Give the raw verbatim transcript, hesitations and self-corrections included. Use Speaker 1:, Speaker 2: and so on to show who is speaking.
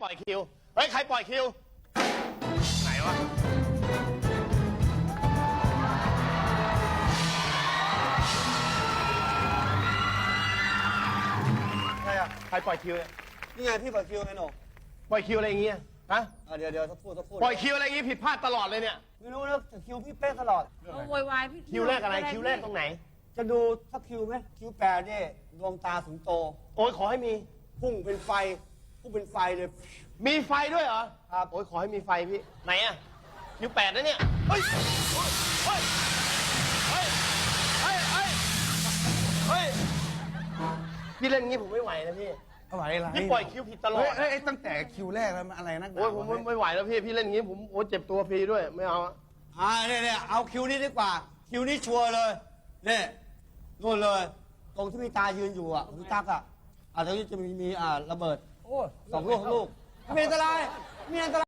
Speaker 1: ปล่อยคิวเฮ้ยใครปล่อยคิวไหนวะใครอะใครปล่อยคิวเนี่ย
Speaker 2: นี่ไงพี่ปล่อยคิวไงหนู
Speaker 1: ปล่อยคิวอะไรอย่างเงี้ยฮะ
Speaker 2: เดี๋ยวเดี๋ยวสักพูดสักพูด
Speaker 1: ปล่อยคิวอะไรอย่างงี้ผิดพลาดตลอดเลยเนี่ย
Speaker 2: ไม่รู้นะแต่คิวพี่เป๊ะตลอด
Speaker 3: เอาโวยวายพี่
Speaker 1: คิวแรกอะไรคิวแรกตรงไหน
Speaker 2: จะดูสักคิวไหมคิวแปดเนี่ยดวงตาสูงโต
Speaker 1: โอ้ยขอให้มี
Speaker 2: พุ่งเป็นไฟพุ่งเป็นไฟเลย
Speaker 1: มีไฟด้วยเหรอ
Speaker 2: ครับ
Speaker 1: โอ้ยขอให้มีไฟพี่ไหนอะคิวแปดนะเนี่ยเฮ้ยเฮ้ยเฮ้ยเฮ้ยเฮ้ยเฮ้ยพี่เล่นงี้ผมไม่ไหวนะพี่
Speaker 4: อะไรอะไร
Speaker 1: พี่ปล่อยคิวผิดตลอด
Speaker 4: เฮ้ยเฮ้ยตั้งแต่คิวแรกแล้วมันอะไรนักหนา
Speaker 1: โอ้ยผมไม่ไม่ไหวแล้วพี่พี่เล่นงี้ผมโอ้ยเจ็บตัวฟรีด้วยไม่เอาอะ
Speaker 2: อ่าเนี่ยเนี่ยเอาคิวนี้ดีกว่า คิวนี้ชัวร์เลยเนี่ยนู่นเลย ตรงที่มีตายืนอยู่อ่ะคุณตั๊กอ่ะอ่าตรงนี้จะมีมีอ่าระเบิด
Speaker 4: โอ้
Speaker 2: สองลูกสองลูกไม่มีอันตรายไม่มีอันตราย